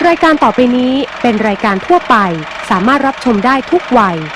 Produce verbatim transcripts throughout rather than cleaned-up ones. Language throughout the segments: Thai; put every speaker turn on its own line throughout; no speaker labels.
รายการต่อไปนี้เป็นรายการทั่วไปสามารถรับชมได้ทุกวัย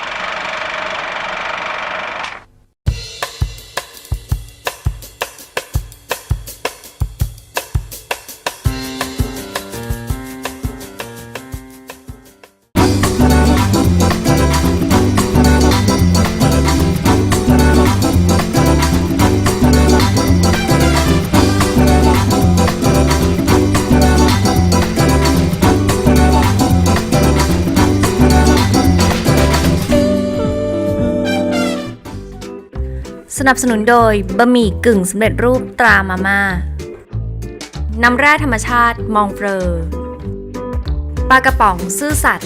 สนับสนุนโดยบะหมี่กึ่งสำเร็จรูปตรามาม่าน้ำแร่ธรรมชาติมองเฟอร์ปลากระป๋องซื่อสัตย์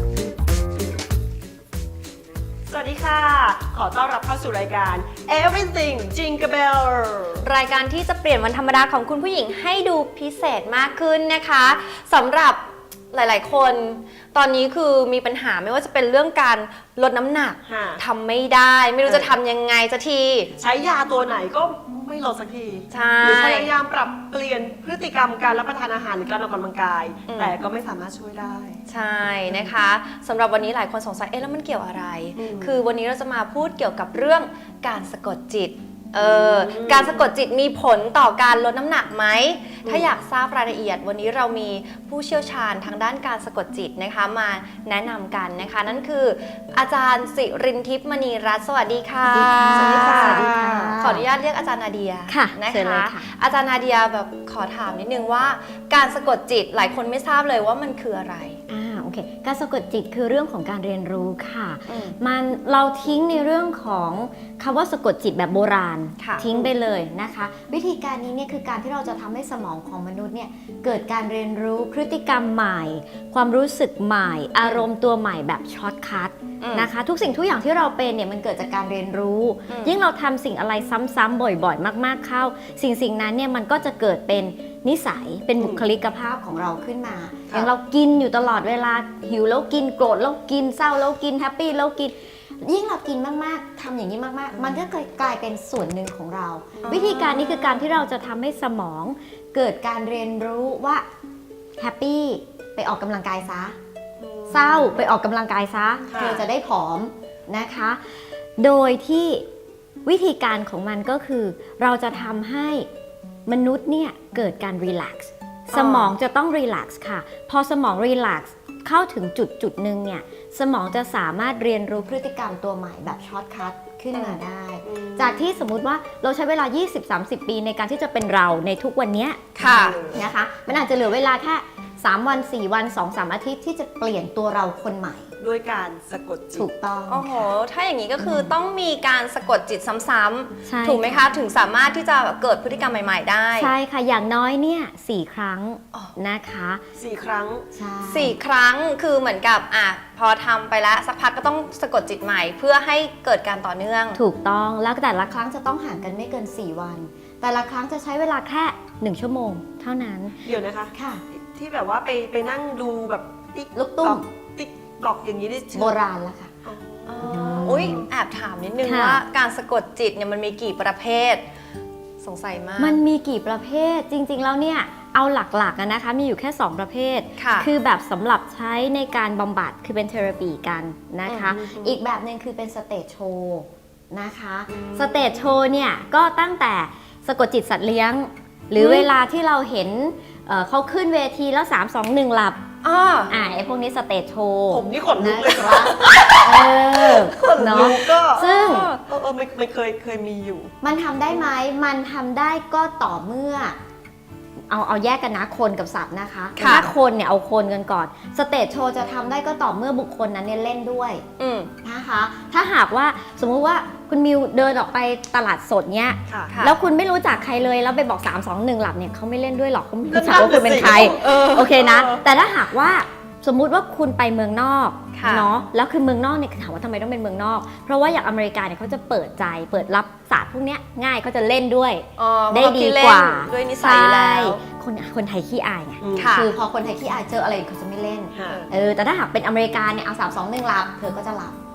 สวัสดีค่ะขอต้อนรับเข้าสู่รายการ Everything Jingle Bell
รายการที่จะเปลี่ยนวันธรรมดาของคุณผู้หญิงให้ดูพิเศษมากขึ้นนะคะสำหรับหลายๆคนตอนนี้คือมีปัญหาไม่ว่าจะเป็นเรื่องการลดน้ำหนักทำไม่ได้ไม่รู้จะทำยังไงสักที
ใช้ยาตัวไหนก็ไม่ลดสักที
ใช่
หรือพยายามปรับเปลี่ยนพฤติกรรมการรับประทานอาหารหรือการออกกำลังกายแต่ก็ไม่สามารถช่วยได้
ใช่นะคะสำหรับวันนี้หลายคนสงสัยเอ๊ะแล้วมันเกี่ยวอะไรคือวันนี้เราจะมาพูดเกี่ยวกับเรื่องการสะกดจิตเออการสะกดจิตมีผลต่อการลดน้ำหนักไหมถ้าอยากทราบรายละเอียดวันนี้เรามีผู้เชี่ยวชาญทางด้านการสะกดจิตนะคะมาแนะนำกันนะคะนั่นคืออาจารย์สิรินทิพย์มณีรัตน์สวัสดีค่ะ
สวัสดีค่ะ
ขออนุญาตเรียกอาจารย์นาเดีย
ค่ะ
นะคะอาจารย์นาเดียแบบขอถามนิดนึงว่าการสะกดจิตหลายคนไม่ทราบเลยว่ามันคืออะไร
อ่าโอเคการสะกดจิตคือเรื่องของการเรียนรู้ค่ะมันเราทิ้งในเรื่องของคำว่าสะกดจิตแบบโบราณทิ้งไปเลยนะคะวิธีการนี้เนี่ยคือการที่เราจะทำให้สมองของมนุษย์เนี่ยเกิดการเรียนรู้พฤติกรรมใหม่ความรู้สึกใหม่อารมณ์ตัวใหม่แบบช็อตคัทนะคะทุกสิ่งทุกอย่างที่เราเป็นเนี่ยมันเกิดจากการเรียนรู้ยิ่งเราทำสิ่งอะไรซ้ำๆบ่อยๆมากๆเข้าสิ่งสิ่งนั้นเนี่ยมันก็จะเกิดเป็นนิสัยเป็นบุคลิกภาพของเราขึ้นมาอย่างเรากินอยู่ตลอดเวลาหิวแล้วกินโกรธแล้วกินเศร้าแล้วกินแฮปปี้แล้วกินยิ่งเรากินมากๆทำอย่างนี้มากๆมันก็กลายเป็นส่วนหนึ่งของเราวิธีการนี้คือการที่เราจะทำให้สมองเกิดการเรียนรู้ว่าแฮปปี้ไปออกกำลังกายซะเศร้าไปออกกำลังกายซะเธอจะได้ผอมนะคะโดยที่วิธีการของมันก็คือเราจะทำให้มนุษย์เนี่ยเกิดการรีแลกซ์สมองจะต้องรีแลกซ์ค่ะพอสมองรีแลกซ์เข้าถึงจุดจุดหนึ่งเนี่ยสมองจะสามารถเรียนรู้พฤติกรรมตัวใหม่แบบช็อตคัทขึ้นมาได้จากที่สมมุติว่าเราใช้เวลา ยี่สิบถึงสามสิบ ปีในการที่จะเป็นเราในทุกวันนี้
ค่ะ
นะคะมันอาจจะเหลือเวลาแค่สามวันสี่วันสองสามอาทิตย์ที่จะเปลี่ยนตัวเราคนใหม่
ด้วยการสะกดจิต
ถูกต้อง
โอ้โหถ้าอย่างนี้ก็คือต้องมีการสะกดจิตซ้ำๆถูกไหมคะถึงสามารถที่จะเกิดพฤติกรรมใหม่ๆได้
ใช่ค่ะอย่างน้อยเนี่ยสี่ครั้งนะคะ
สี่ครั้ง
ใช่
สี่ครั้งคือเหมือนกับอ่ะพอทำไปแล้วสักพักก็ต้องสะกดจิตใหม่เพื่อให้เกิดการต่อเนื่อง
ถูกต้องแล้วแต่ละครั้งจะต้องห่างกันไม่เกินสี่วันแต่ละครั้งจะใช้เวลาแค่หนึ่งชั่วโมงเท่านั้น
เดี๋ยวนะคะ
ค่ะ
ที่แบบว่าไปไปนั่งดูแบบติ๊ก
ลูกตุ้ม
ติ๊กกรอกอย่างนี้ได้
โบราณแล้วค่ะ
อุ้ยแอบถามนิดนึงว่าการสะกดจิตเนี่ยมันมีกี่ประเภทสงสัยมาก
มันมีกี่ประเภทจริงๆแล้วเนี่ยเอาหลักๆนะคะมีอยู่แค่สองประเภทคือแบบสำหรับใช้ในการบำบัดคือเป็นเทอราปีกันนะคะอีกแบบหนึ่งคือเป็นสเตจโชว์นะคะสเตจโชว์เนี่ยก็ตั้งแต่สะกดจิตสัตว์เลี้ยงหรือเวลาที่เราเห็นเขาขึ้นเวทีแล้วสาม สอง หนึ่งหลับ
อ่า
อ่าไอ้พวกนี้สเตจโชว์
ผมนี่ขนลุกเลยครับ
เออ
ขนลุกก็
ซึ่ง
เออเออไม่ไม่เคยเคยมีอยู่
มันทำได้ไหมมันทำได้ก็ต่อเมื่อเอาเอาแยกกันนะคนกับสัตว์นะคะถ้าคนเนี่ยเอาคนกันก่อนสเตจโชว์จะทำได้ก็ต่อเมื่อบุคคลนั้นเนี่ยเล่นด้วยนะคะถ้าหากว่าสมมุติว่าคุณมิวเดินออกไปตลาดสดเนี้ยแล้วคุณไม่รู้จักใครเลยแล้วไปบอกสาม สอง หนึ่งหลับเนี่ยเขาไม่เล่นด้วยหรอกเขาไม่รู้จักว่าคุณเป็นใครโอเคนะแต่ถ้าหากว่าสมมุติว่าคุณไปเมืองนอกเนาะแล้วคือเมืองนอกเนี่ยถามว่าทำไมต้องเป็นเมืองนอกเพราะว่าอย่างอเมริกาเนี่ยเขาจะเปิดใจเปิดรับศาสตร์พวกนี้ง่ายเขาจะเล่นด้วยได้ดีกว่า
ด้วยนิสัยแล้ว
คนคนไทยขี้อายไงคือพอคนไทยขี้อายเจออะไรเขาจะไม่เล่นเออแต่ถ้าหากเป็นอเมริกาเนี่ยเอาสาม สอง หนึ่งหลับเธอก็จะหลับ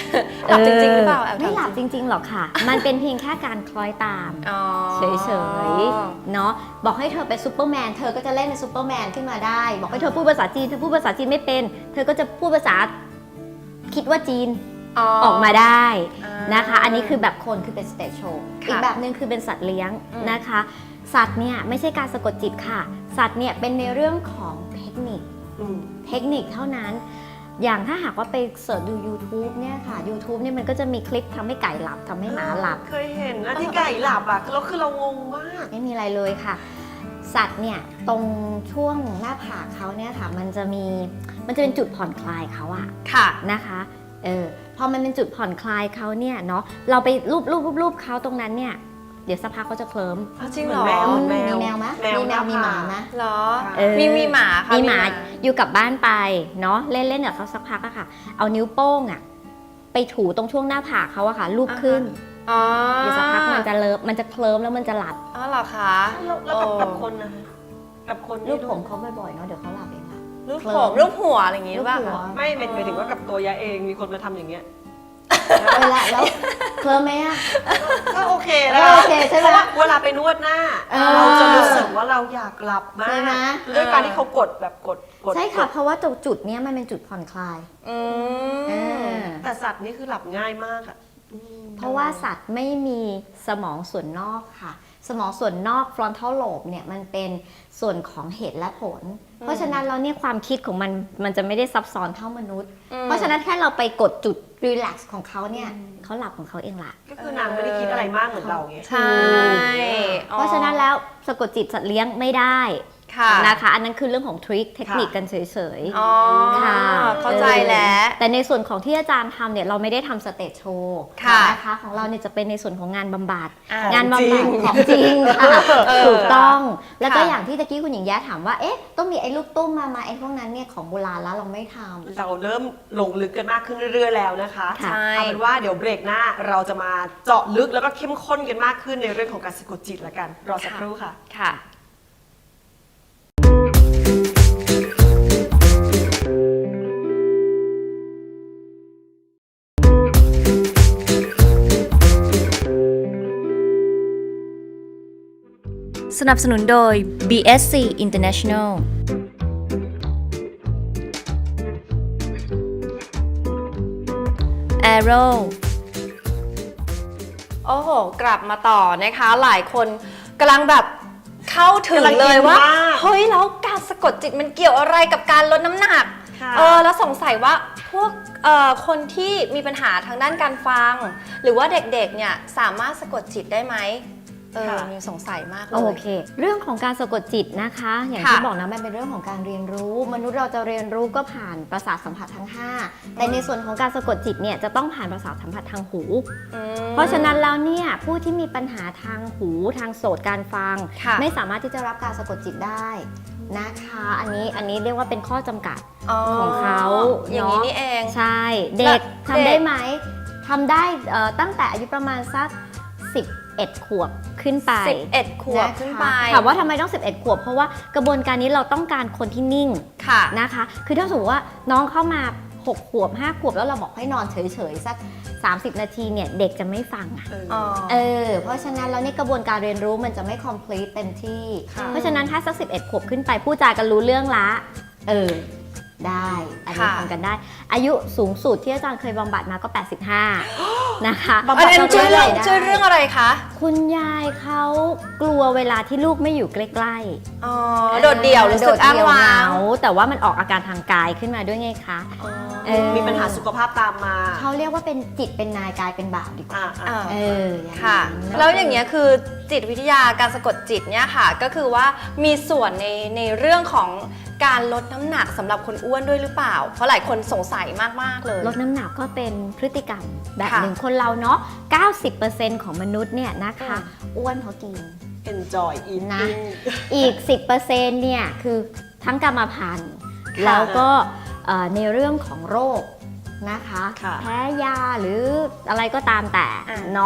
หลับจริงๆหรือเปล่าแอบถาม
ไม่หลับจริงๆหรอกค่ะ มันเป็นเพียงแค่การคล้อยตาม
อ๋อ
เฉยๆ เนาะบอกให้เธอเป็นซูเปอร์แมน เธอก็จะเล่นเป็นซูเปอร์แมนขึ้นมาได้ บอกให้เธอพูดภาษาจีน เธอพูดภาษาจีนไม่เป็น เธอก็จะพูดภาษาคิดว่าจีนออกมาได้นะคะ อันนี้คือแบบคนคือเป็นสเตจโชว์
ค่ะ
อีกแบบหนึ่งคือเป็นสัตว์เลี้ยง
อืม
นะคะ สัตว์เนี่ยไม่ใช่การสะกดจิตค่ะ สัตว์เนี่ยเป็นในเรื่องของเทคนิค
อืม
เทคนิคเท่านั้น อย่างถ้าหากว่าไปเสิร์ชดู YouTube เนี่ยค่ะ YouTube เนี่ยมันก็จะมีคลิปทำให้ไก่หลับทำให้หมาหลับ
เคยเห็นนะที่ไก่หลับอ่ะแล้วคือเรางงมาก
ไม่มีอะไรเลยค่ะ สัตว์เนี่ยตรงช่วงหน้าผากเขาเนี่ยค่ะ มันจะมีมันจะเป็นจุดผ่อนคลายเขาอะ
ค่ะ
นะคะเออพอมันเป็นจุดผ่อนคลายเขาเนี่ยเนาะเราไปรูปรูปรูปรูปเขาตรงนั้นเนี่ยเดี๋ยวสักพักเขาจะเคลิ้ม
อ๋อจริงเหรอ
เหมือนแมว
มีแมวไหม
แมว
มีแมวมีหมาไหม
เหรอ
เออ
มีมีหมาค่ะ
มีหมาอยู่กับบ้านไปเนาะเล่นเล่นกับเขาสักพักอะค่ะ เอานิ้วโป้งอะไปถูตรงช่วงหน้าผากเขาอะค่ะลูบขึ้น
อ๋อ
เดี๋ยวสักพักมันจะเลิฟมันจะเคลิ้มแล้วมันจะหลับ
อ๋อเหรอคะ
แล้วแล้วกับ
โอ้
กับคนนะคะกับคน
รู
นี่
ปผมเขาบ่อยๆเนาะเดี๋ยวเขาหลับเองค่ะ
รูป
เคลิ้
ผม มรูปหัวอะไรอย่างงี้หรือเปล่า
รูปหัว
คะ
ไม่หมายหมายถึงว่ากับตัวยาเองมีคนมาทำอย่างเงี้ย
เวลาแล้วเคลิ้มไหมอะ
ก็โอเคนะ
ก็โอเคใช่ไหม
เพราะว่าเวลาไปนวดหน้า
เออ
เราจะรู้สึกว่าเราอยากหลับมา
ใช่ไหม
กด้วยการที่เขากดแบบกดกด
ใช่ค่ะ
กด
เพราะว่าตรงจุดเนี้ยมันเป็นจุดผ่อนคลาย
อื
เอ
ม
อ
แต่สัตว์นี่คือหลับง่ายมากอ่ะอืม
เพราะว่าสัตว์ไม่มีสมองส่วนนอกค่ะ สมองส่วนนอก frontal lobe เนี่ยมันเป็นส่วนของเหตุและผล เพราะฉะนั้นแล้วเนี่ยความคิดของมันมันจะไม่ได้ซับซ้อนเท่ามนุษย์
อืม
เพราะฉะนั้นแค่เราไปกดจุด relax ของเขาเนี่ยเขาหลับของเขาเองละ
ก็คือนางไม่ได้คิดอะไรมากเหมือนเราไง
ใช่
เพราะฉะนั้นแล้วสะกดจิตสัตว์เลี้ยงไม่ได้
ค่ะ
นะคะ อันนั้นคือเรื่องของทริคเทคนิคกันเฉยๆ
อ๋อ
ค่ะ
เข้าใจแล้ว
แต่ในส่วนของที่อาจารย์ทำเนี่ยเราไม่ได้ทำสเตจโชว์
ค่ะ
นะคะของเราเนี่ยจะเป็นในส่วนของงานบำบัด
อ่ะ
งานบำบัดของจริงค่ะ
เออ
ถูกต้อง แล้วก็
ค่ะ
อย่างที่ตะกี้คุณหญิงแย้ถามว่าเอ๊ะต้องมีไอ้ลูกตุ้มมามาไอ้พวกนั้นเนี่ยของโบราณแล้วเราไม่ทำ
เราเริ่มลงลึกกันมากขึ้นเรื่อยๆแล้วนะคะ
ใช่
เอาเป็นว่าเดี๋ยวเบรกหน้าเราจะมาเจาะลึกแล้วก็เข้มข้นกันมากขึ้นในเรื่องของการสะกดจิตละกัน รอสักครู่ค่ะ
ค่ะ สนับสนุนโดย บี เอส ซี International Arrow โอ้โห กลับมาต่อนะคะ หลายคนกำลังแบบเข้าถึง
กำลัง
เลยว่า
อินมาก
เฮ้ย แล้วการสะกดจิตมันเกี่ยวอะไรกับการลดน้ำหนัก
ค่ะ
เออ แล้วสงสัยว่าพวกเอ่อคนที่มีปัญหาทางด้านการฟัง หรือว่าเด็กๆ เนี่ยสามารถสะกดจิตได้ไหมเออ
ค่ะ
มีสงสัยมากเลย
โอเค เรื่องของการสะกดจิตนะคะ อย่าง
ค่ะ
ที่บอกนะมันเป็นเรื่องของการเรียนรู้ มนุษย์เราจะเรียนรู้ก็ผ่านประสาทสัมผัสทั้งห้าแต่ในส่วนของการสะกดจิตเนี่ยจะต้องผ่านประสาทสัมผัสทางหู
อืม
เพราะฉะนั้นแล้วเนี่ยผู้ที่มีปัญหาทางหูทางโสตการฟัง
ค่ะ
ไม่สามารถที่จะรับการสะกดจิตได้นะคะ อันนี้อันนี้เรียกว่าเป็นข้อจำกัด ของเขา
อย่างนี้
เนอะ
นี่เอง
ใช่ เด็ก
แล้ว
ทำได้
เด็ก
ไหมทำได้เอ่อตั้งแต่อายุประมาณสักสิบเอ็ดขวบขึ้นไป
สิบเอ็ดขวบ
นะคะ
ขึ้นไป
ถามว่าทำไมต้องสิบเอ็ดขวบ เพราะว่ากระบวนการนี้เราต้องการคนที่นิ่ง
ค่ะ
นะคะ คือถ้าสมมติว่าน้องเข้ามาหกขวบห้าขวบแล้วเราบอกให้นอนเฉยๆสักสามสิบนาทีเนี่ยเด็กจะไม่ฟังอะ
เออ
อ๋อ
เออ เพราะฉะนั้นแล้วเนี่ยกระบวนการเรียนรู้มันจะไม่ complete เต็มที่
ค่ะ
เพราะฉะนั้นถ้าสักสิบเอ็ดขวบขึ้นไปผู้จากันรู้เรื่องละ เออ ได้ อันนี้
ค่ะ
ทำกันได้ อายุสูงสุดที่อาจารย์เคยบำบัดมาก็ แปดสิบห้า นะคะ
อันนั้นช่วยเรื่อง
ได้
ช่วยเรื่องอะไรคะ
คุณยายเขากลัวเวลาที่ลูกไม่อยู่ใกล้
อ๋อ
ๆ
โดดเดี่ยวรู้สึกอ้างว้าง
โดดเดี่ยเหแต่ว่ามันออกอาการทางกายขึ้นมาด้วยไงคะ เออ
มีปัญหาสุขภาพตามมา
เขาเรียกว่าเป็นจิตเป็นนายกายเป็นบ่าวดีกว่า
อ่าอ่า
อ่า
เอออย่างนั้น
ค่ะ แล้วอย่างเงี้ยคือจิตวิทยาการสะกดจิตเนี่ยค่ะ ก็คือว่ามีส่วนในในเรื่องของการลดน้ำหนักสำหรับคนอ้วนด้วยหรือเปล่า เพราะหลายคนสงสัยมากๆเลย
ลดน้ำหนักก็เป็นพฤติกรรมแบบ
ค่ะ
หนึ่งคนเราเนาะ เก้าสิบเปอร์เซ็นต์ ของมนุษย์เนี่ยนะคะ
อืม
อ้วนเพราะกิน
enjoy eating
นะ อีก สิบเปอร์เซ็นต์ เนี่ยคือทั้งกรรมพันธุ์
ค่ะ
แล้วก็เอ่อในเรื่องของโรคนะคะ
ค่ะ
แพ้ยาหรืออะไรก็ตามแต่
อ่า
เนาะ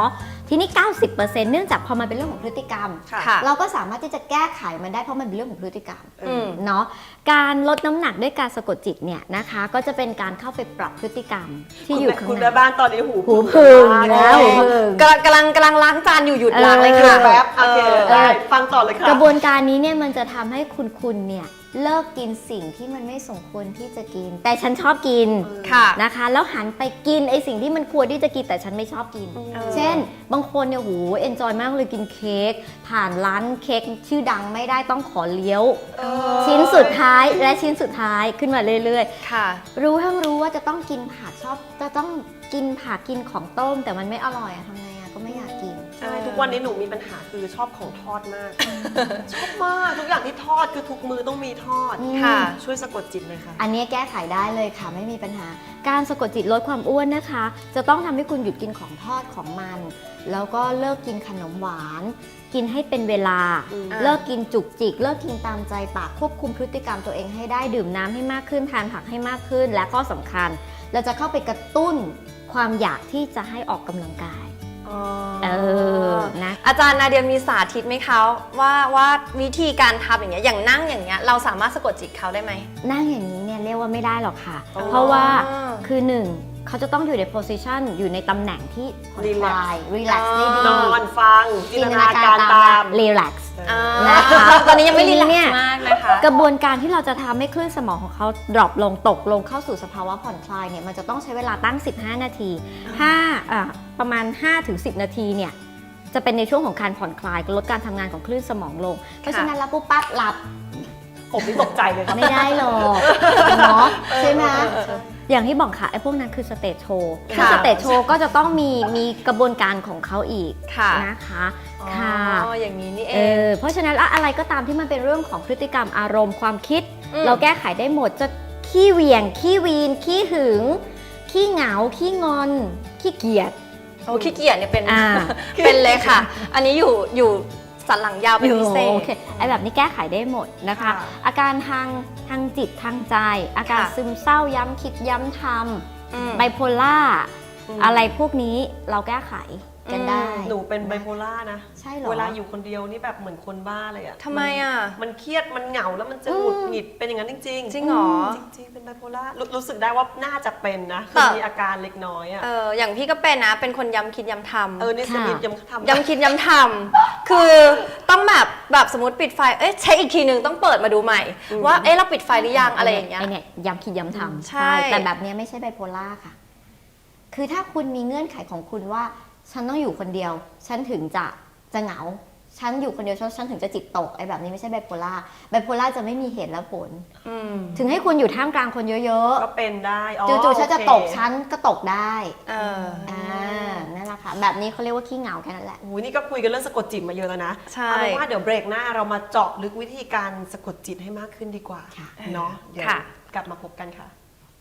ทีนี้ เก้าสิบเปอร์เซ็นต์ เนื่องจากพอมันเป็นเรื่องของพฤติกรรม
ค่ะ
ค่ะ
เราก็สามารถที่จะแก้ไขมันได้เพราะมันเป็นเรื่องของพฤติกรรม
อืม
เนาะการลดน้ำหนักด้วยการสะกดจิตเนี่ยนะคะก็จะเป็นการเข้าไปปรับพฤติกรรมที่อยู่ข้าง
คุณ
ใน
แม่บ้านตอนนี้หู
หูพึ่ง
มาก
แล้วหูพึ่ง
กำลังกำลังกำลังล้างจานอยู่หยุดล้างเลย
เอ
ค่ะ
อ
แป๊บโอเค
เออ
ได้ฟังต่อเลยค่ะ
กระบวนการนี้เนี่ยมันจะทำให้คุณคุณเนี่ยเลิกกินสิ่งที่มันไม่สมควรที่จะกิน แต่ฉันชอบกิน
ค่ะ
นะคะแล้วหันไปกินไอสิ่งที่มันควรที่จะกินแต่ฉันไม่ชอบกิน
เออ
เช่น บางคนเนี่ยโหเอนจอยมากเลยกินเค้กผ่านร้านเค้กชื่อดังไม่ได้ต้องขอเลี้ยว
เออ
ชิ้นสุดท้ายและชิ้นสุดท้ายขึ้นมาเรื่อย
ค่ะ
ๆ รู้ทั้งรู้ว่าจะต้องกินผักชอบจะต้องกินผักกินของต้มแต่มันไม่อร่อยอะทำไงอะก็ไม่อยากกิน
ใช่ทุกวันนี้หนูมีปัญหาคือชอบของทอดมาก ชอบมากทุกอย่างที่ทอดคือทุกมือต้องมีทอด
อืม
ค่ะ
ช่วยสะกดจิตเลยค่ะ
อันนี้แก้ไขได้เลยค่ะไม่มีปัญหา การสะกดจิตลดความอ้วนนะคะ จะต้องทำให้คุณหยุดกินของทอดของมัน แล้วก็เลิกกินขนมหวาน กินให้เป็นเวลา
อืม
เลิกกินจุกจิก เลิกกินตามใจปากควบคุมพฤติกรรมตัวเองให้ได้ดื่มน้ำให้มากขึ้นทานผักให้มากขึ้น และข้อสำคัญ เราจะเข้าไปกระตุ้นความอยากที่จะให้ออกกำลังกาย
อ๋อ
เออนะ
อาจารย์นาเดียมีสาธิตไหมคะว่าว่าวิธีการทำอย่างเงี้ยอย่างนั่งอย่างเงี้ยเราสามารถสะกดจิตเขาได้ไหม
นั่งอย่างนี้เนี่ยเรียกว่าไม่ได้หรอกค่ะ
อ๋อ
เพราะว่าคือหนึ่งเขาจะต้องอยู่ใน position อยู่ในตำแหน่งที่ผ่อนคลาย relax ได้ดี
นอนฟังจินตนาการตาม
relax
อ่า
นะคะ
ตอนนี้ยังไม่รีแลก
เนี่ย
ซ์มากนะคะ
กระบวนการที่เราจะทำให้คลื่นสมองของเขา drop ลงตกลงเข้าสู่สภาวะผ่อนคลายเนี่ยมันจะต้องใช้เวลาตั้ง สิบห้า นาทีห้าอ่าประมาณ ห้าถึงสิบ นาทีเนี่ยจะเป็นในช่วงของการผ่อนคลายลดการทำงานของคลื่นสมองลง เพราะฉะนั้นแล้วปุ๊บปั๊บหลับ
ผมนี่ตกใจเลยครับ
ไม่ได้หรอกเนาะใช่ไหม
เออเออ
อย่างที่บอกค่ะไอ้พวกนั้นคือสเตจโชว์
ค่ะ
ซึ่งสเตจโชว์ก็จะต้องมีมีกระบวนการของเขาอีก
ค่ะ
นะคะค่ะ
อ๋ออย่างนี้นี่เอ
เอง อเพราะฉะนั้นแล้วอะไรก็ตามที่มันเป็นเรื่องของพฤติกรรมอารมณ์ความคิด
อืม
เราแก้ไขได้หมดจะขี้เหวี่ยง ขี้วีน ขี้หึง ขี้เหงา ขี้งอน ขี้เกียจ
โอ้ขี้เกียจเนี่ยเป็น
อ่า
เป็นเลยค่ะ อันนี้อยู่อยู่สันหลังยาวเป็นพิเศษ
โอเคไอ้แบบนี้แก้ไขได้หมดนะคะ
ค่ะ
อาการทางทางจิตทางใจ อาการ
ค่ะ
ซึมเศร้าย้ำคิดย้ำท
อืม
ำไบโพล่า
อืม
อะไรพวกนี้เราแก้ไขกันได้
หนูเป็นไบโพล่านะ
ใช่เหรอ
เวลาอยู่คนเดียวนี่แบบเหมือนคนบ้าเลยอะ
ทำไมอะ
มันเครียดมันเหงาแล้วมันจะหงุดหงิดเป็นอย่างนั้นจริงๆ
จริงเหรอ
จริงๆเป็นไบโพล่ารู้รู้สึกได้ว่าน่าจะเป็นนะคื
แต่
อมีอาการเล็กน้อยอะ
เอออย่างพี่ก็เป็นนะ เป็นคนย้ำคิดย้ำทำ
เออนี่สนิทยังทำ
ย้ำคิดย้ำทำคือต้องแบบแบบสมมติปิดไฟ เอ๊ะเช็คอีกทีนึงต้องเปิดมาดูใหม่
อืม
ว่าเอ๊ะเราปิดไฟหรือยังอะไรอย่างเงี้ย
ไอเนี่ยย้ำคิดย้ำทำ
ใช่
แต่แบบเนี้ยไม่ใช่ไบโพล่าค่ะ คือถ้าคุณมีเงื่อนไขของคุณว่า ฉันต้องอยู่คนเดียว ฉันถึงจะจะเหงา ฉันอยู่คนเดียวฉันฉันถึงจะจิตตกไอ้แบบนี้ไม่ใช่ไบโพล่าไบโพล่าจะไม่มีเหตุและผล
อืม
ถึงให้คุณอยู่ท่ามกลางคนเยอะ
ก็เป็นได้อ๋อ
ๆจู่ๆฉันจะ
โอเค
ตกฉันก็ตกได้
เออ
อ่านั่นแหละค่ะ แบบนี้เขาเรียกว่าขี้เหงาแค่นั้นแหละ
โอ้ยนี่ก็คุยกันเรื่องสะกดจิตมาเยอะแล้วนะ
ใช่
เอาเป็นว่าเดี๋ยวเบรกหน้าเรามาเจาะลึกวิธีการสะกดจิตให้มากขึ้นดีกว่า
ค่ะ
เนาะเดี๋ยว
ค่ะ
กลับมาพบกันค่ะ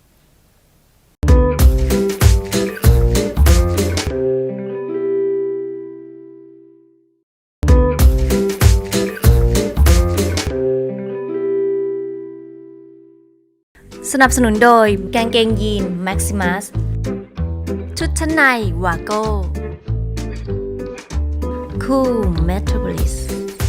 สนับสนุนโดยกางเกงยีน Maximus ชุดชั้นในวาโก้คูลเมโทร o ลิส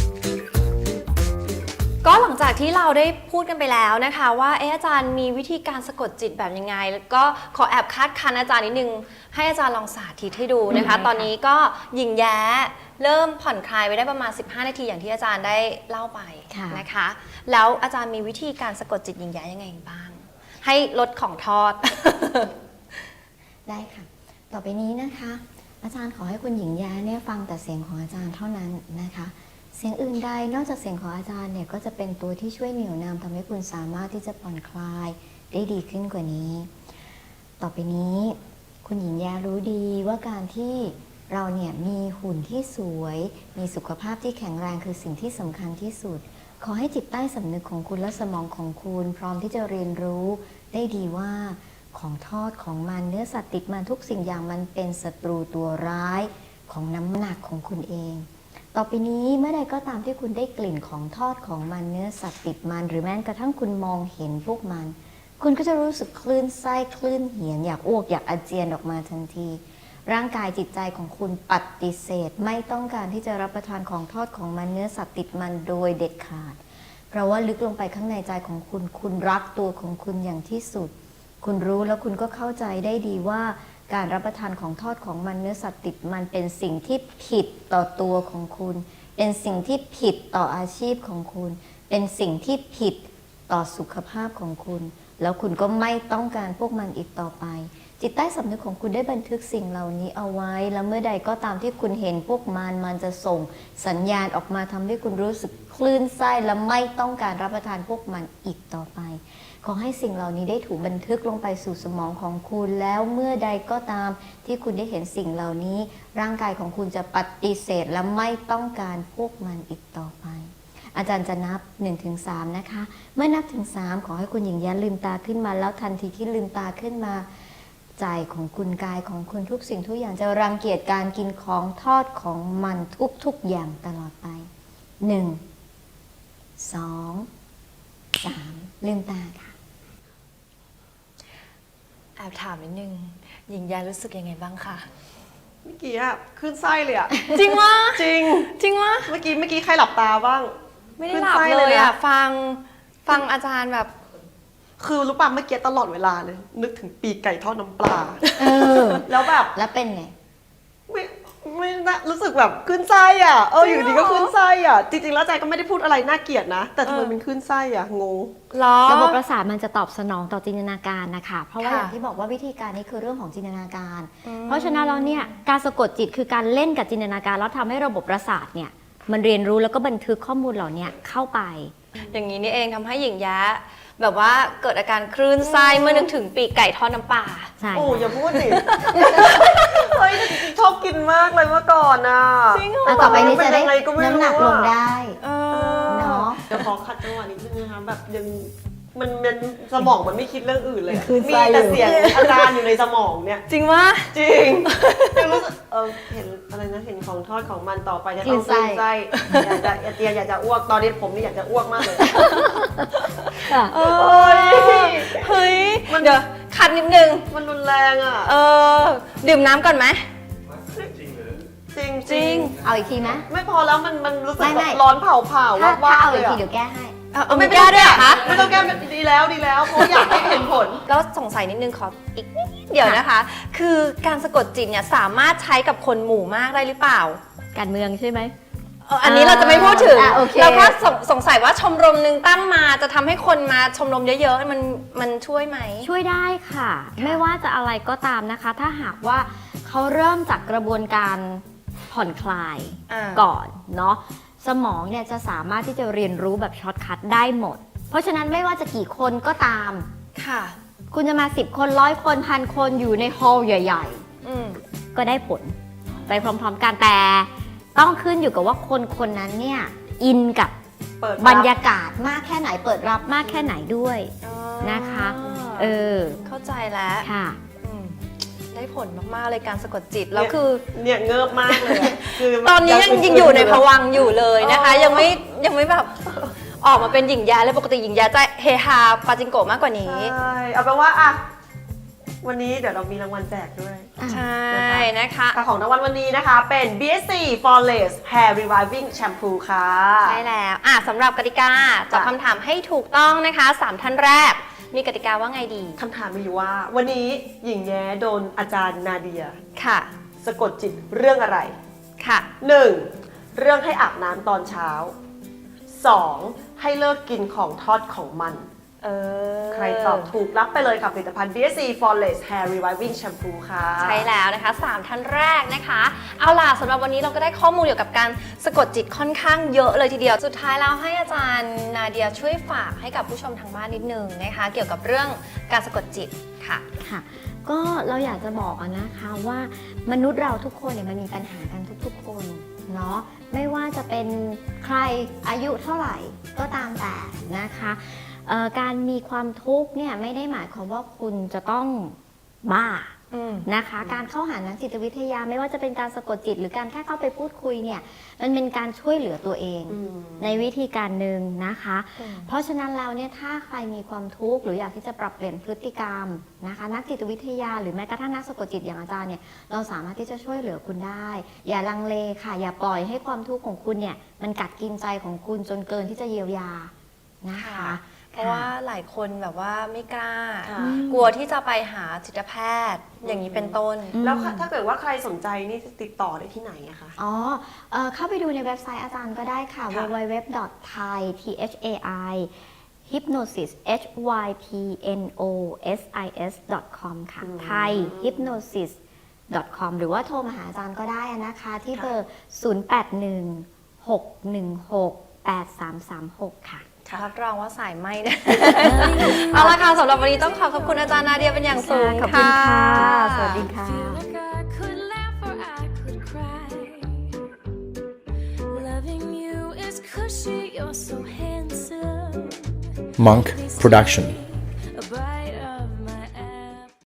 ก็หลังจากที่เราได้พูดกันไปแล้วนะคะว่าเอออาจารย์มีวิธีการสะกดจิตแบบยังไง แล้วก็ขอแอบคาดคันอาจารย์นิดนึงให้อาจารย์ลองสาธิตให้ดูนะคะ
ได้ค่ะ
ตอนนี้ก็หญิงแย้เริ่มผ่อนคลายไปได้ประมาณ สิบห้า นาทีอย่างที่อาจารย์ได้เล่าไปนะคะ แล้วอาจารย์มีวิธีการสะกดจิตหญิงแย้ยังไงบ้าง ให้ลดของทอด
ได้ค่ะ ต่อไปนี้นะคะ อาจารย์ขอให้คุณหญิงแย้เนี่ยฟังแต่เสียงของอาจารย์เท่านั้นนะคะ เสียงอื่นใดนอกจากเสียงของอาจารย์เนี่ยก็จะเป็นตัวที่ช่วยเหนี่ยวนำทำให้คุณสามารถที่จะผ่อนคลายได้ดีขึ้นกว่านี้ ต่อไปนี้คุณหญิงแย้รู้ดีว่าการที่เราเนี่ยมีหุ่นที่สวย มีสุขภาพที่แข็งแรงคือสิ่งที่สำคัญที่สุด ขอให้จิตใต้สำนึกของคุณและสมองของคุณ พร้อมที่จะเรียนรู้ได้ดีว่าของทอดของมันเนื้อสัตว์ติดมันทุกสิ่งอย่างมันเป็นศัตรูตัวร้ายของน้ำหนักของคุณเอง ต่อไปนี้เมื่อใดก็ตามที่คุณได้กลิ่นของทอดของมันเนื้อสัตว์ติดมันหรือแม้กระทั่งคุณมองเห็นพวกมัน คุณก็จะรู้สึกคลื่นไส้คลื่นเหียนอยากอ้วกอยากอาเจียนออกมาทันทีร่างกายจิตใจของคุณปฏิเสธ ไม่ต้องการที่จะรับประทานของทอดของมันเนื้อสัตว์ติดมันโดยเด็ดขาด เพราะว่าลึกลงไปข้างในใจของคุณคุณรักตัวของคุณอย่างที่สุด คุณรู้แล้วคุณก็เข้าใจได้ดีว่าการรับประทานของทอดของมันเนื้อสัตว์ติดมันเป็นสิ่งที่ผิดต่อตัวของคุณ เป็นสิ่งที่ผิดต่ออาชีพของคุณ เป็นสิ่งที่ผิดต่อสุขภาพของคุณ แล้วคุณก็ไม่ต้องการพวกมันอีกต่อไป จิตใต้สำนึกของคุณได้บันทึกสิ่งเหล่านี้เอาไว้ แล้วเมื่อใดก็ตามที่คุณเห็นพวกมันมันจะส่งสัญญาณออกมาทำให้คุณรู้สึกคลื่นไส้และไม่ต้องการรับประทานพวกมันอีกต่อไป ขอให้สิ่งเหล่านี้ได้ถูกบันทึกลงไปสู่สมองของคุณ แล้วเมื่อใดก็ตามที่คุณได้เห็นสิ่งเหล่านี้ ร่างกายของคุณจะปฏิเสธและไม่ต้องการพวกมันอีกต่อไป อาจารย์จะนับ หนึ่งถึงสาม นะคะ เมื่อนับถึงสามขอให้คุณหญิงแย้ลืมตาขึ้นมาแล้วทันทีที่ลืมตาขึ้นมา ใจของคุณกายของคุณทุกสิ่งทุกอย่างจะรังเกียจการกินของทอดของมันทุกๆอย่างตลอดไป หนึ่ง สอง สาม ลืมตาค่ะ
แอบถามนิดนึงหญิงยารู้สึกยังไงบ้างคะ
เมื่อกี้อะขึ้นไส้เลยอะ
จริงวะ
จริง
จริงวะ
เมื่อกี้เมื่อกี้ใครหลับตาบ้าง
ไม่ได้หลับ
ขึ้นไส้
เลย
เลย
อ่ะ
นะ
ฟังฟังอาจารย์แบบ
คือรู้ป่ะเมื่อกี้ตลอดเวลาเลย นึกถึงปีกไก่ทอดน้ำปลา
เออ
แล้วแบบ
แล้วเป็นไง
ไม่ไม่น่ารู้สึกแบบขึ้นไส้อ่ะเอออยู่ดีก็ขึ้นไส้อ่ะจริงๆแล้วใจก็ไม่ได้พูดอะไรน่าเกลียดนะ แต่ทำไม
เออ
มันขึ้นไส้อ่ะงง
ล้อ
ระบบประสาทมันจะตอบสนองต่อจินตนาการนะคะ เพราะว่า
ค่ะ
อย่างที่บอกว่าวิธีการนี้คือเรื่องของจินตนาการ
อืม
เพราะฉะนั้นแล้วเนี่ยการสะกดจิตคือการเล่นกับจินตนาการแล้วทำให้ระบบประสาทเนี่ยมันเรียนรู้แล้วก็บันทึกข้อมูลเหล่านี้เข้าไป
อย่างนี้นี่เองทำให้หญิงยะแบบว่าเกิดอาการคลื่นไส้เมื่อนึกถึงปีกไก่ทอดน้ำปลา
ใช่
โอ้อย่าพูดดิ เฮ้ยแต่จริงๆชอบกินมากเลยเมื่อก่อนน่ะ
จริงเหรอ
อ่ะต่อไปนี้จะได้
เป็นยังไงก็ไม่รู้
น้ำหนักลงได้
เออ
เนาะ
เดี๋ยวขอขัดจังหวะนิดนึงนะคะแบบยังมันมันสมองมันไม่คิดเรื่องอื่นเลยอะ
คือ
มี
ไส้
แต่
อยู่
เสียงอาจารย์อยู่ในสมองเนี่ย
จริงวะ
จริงยังรู้สึกเออเห็นอะไรนะเห็นของทอดของมันต่อไปจะต้อง
คลื่นไส้
คลื่นไส้อยากจะอยากจะอยากจะอ้วกตอนนี้ผมนี่อยากจะอ้วกมากเลย
ค่ะ
เออเฮ้ย
มัน
เดี๋ยวคัดนิดนึง
มันรุนแรงอ่ะ
เออดื่มน้ำก่อนไหม
จริง
จริง
เอาอีกทีไหม
ไม่พอแล้วมันมันรู้สึก
ไม่
แบ
ไม่
บร้อนเผาเผา
ถ้า
ว่า
ถ้า
ว่า
เอา
เล
อี
ย
กที
อ่ะ
เดี๋ยวแก้ให้
เออไม่กล้าด้วยเหรอคะ
ไม่ต้องแก้ดีแล้วดีแล้วเพราะอยากให้เห็นผล
แล้วสงสัยนิดนึงขออีกนิดเดียวนะคะ คือการสะกดจิตเนี่ยสามารถใช้กับคนหมู่มากได้หรือเปล่า
การเมืองใช่ไหม
เอออันนี้เราจะไม่พูดถึง
อ่ะโอเค
แล้วก็สงสงสัยว่าชมรมหนึ่งตั้งมาจะทำให้คนมาชมรมเยอะๆ มันมันช่วยไหม
ช่วยได้ค่ะ ไม่ว่าจะอะไรก็ตามนะคะ ถ้าหากว่าเขาเริ่มจากกระบวนการผ่อนคลาย
อ่า
ก่อนเนาะสมองเนี่ยจะสามารถที่จะเรียนรู้แบบช็อตคัทได้หมด เพราะฉะนั้นไม่ว่าจะกี่คนก็ตาม
ค่ะ
คุณจะมาสิบคนร้อยคนพันคนอยู่ในฮอลล์ใหญ่
อืม
ๆ ก็ได้ผลไปพร้อมๆกันแต่ต้องขึ้นอยู่กับว่าคนคนนั้นเนี่ยอินกับ
เปิด
บรรยากาศมากแค่ไหนเปิดรับมากแค่ไหนด้วยนะคะ เออ
เข้าใจแล้ว
ค่ะ
อืมได้ผลมากๆเลยการสะกดจิต แล้วคือ
เนี่ยเงิบมากเลยอะคือ
ตอนนี้ยังยังอยู่ในภวังค์อยู่เลยนะคะ
อ๋อ
ยังไม่ยังไม่แบบออกมาเป็นหญิงยาเลยปกติหญิงยาจะเฮฮาปาจิงโกะมากกว่านี้
ใช่เอาเป็นว่าอ่ะวันนี้เดี๋ยวเรามีรางวัลแจกด้วย
ใช่นะคะ
ค่ะของรางวัลวันนี้นะคะเป็น บี เอส ซี Flawless Hair Reviving Shampoo ค่ะ
ใช่แล้วอ่ะสำหรับกติกาตอบคำถามให้ถูกต้องนะคะสามท่านแรก มีกติกาว่าไงดี
คำถามมีอยู่ว่า วันนี้หญิงแย้โดนอาจารย์นาเดีย
ค่ะ
สะกดจิตเรื่องอะไร
ค่ะ
หนึ่ง เรื่องให้อาบน้ำตอนเช้า สอง ให้เลิกกินของทอดของมัน
เออ
ใครตอบถูกรับไปเลยกับผลิตภัณฑ์ บี เอส ซี Flawless Hair Reviving Shampoo ค่ะ
ใช่แล้วนะคะสามท่านแรกนะคะ เอาล่ะสำหรับวันนี้เราก็ได้ข้อมูลเกี่ยวกับการสะกดจิตค่อนข้างเยอะเลยทีเดียว สุดท้ายแล้วให้อาจารย์นาเดียช่วยฝากให้กับผู้ชมทางบ้านนิดนึงนะคะ เกี่ยวกับเรื่องการสะกดจิตค่ะ
ค่ะ ก็เราอยากจะบอกอะนะคะว่ามนุษย์เราทุกคนเนี่ยมันมีปัญหากันทุกๆคนเนาะไม่ว่าจะเป็นใครอายุเท่าไหร่ก็ตามแต่นะคะเอ่อการมีความทุกข์เนี่ยไม่ได้หมายความว่าคุณจะต้องบ้า
อืม
นะคะการเข้าหานักจิตวิทยาไม่ว่าจะเป็นการสะกดจิตหรือการแค่เข้าไปพูดคุยเนี่ยมันเป็นการช่วยเหลือตัวเอง
อืม
ในวิธีการหนึ่งนะคะ
อืม
เพราะฉะนั้นแล้วเนี่ยถ้าใครมีความทุกข์หรืออยากที่จะปรับเปลี่ยนพฤติกรรมนะคะนักจิตวิทยาหรือแม้กระทั่งนักสะกดจิตอย่างอาจารย์เนี่ยเราสามารถที่จะช่วยเหลือคุณได้ อย่าลังเลค่ะอย่าปล่อยให้ความทุกข์ของคุณเนี่ยมันกัดกินใจของคุณจนเกินที่จะเยียวยานะคะ
เพราะว่าหลายคนแบบว่าไม่กล้า
ค่ะ
กลัวที่จะไปหาจิตแพทย์ อย่างนี้เป็นต้น
แล้วถ้าเกิดว่าใครสนใจนี่ติดต่อได้ที่ไหนอะคะ
อ๋อเอ่อเข้าไปดูในเว็บไซต์อาจารย์ก็ได้ค่ะ
ค่ะ
ดับเบิลยู ดับเบิลยู ดับเบิลยู ดอท ไทย ที เอช เอ ไอ hypnosis h y p n o s i s ดอท คอม ค่ะ ไทย hypnosis ดอท คอม หรือว่าโทรมาหาอาจารย์ก็ได้นะคะ ที่เบอร์ ศูนย์ แปด หนึ่ง หก หนึ่ง หก แปด สาม สาม หก ค่ะ
รับรองว่าสายไหมนะ เอาละค่ะสำหรับวันนี้ต้องขอขอบคุณอาจารย์นาเดียเป็นอย่างสูง
ขอบคุณค่ะ สวัส
ค่ะ
ดีค่ะ
Feel like I could laugh or I could cry. Loving you is cushy, you're so handsome.
Monk Production.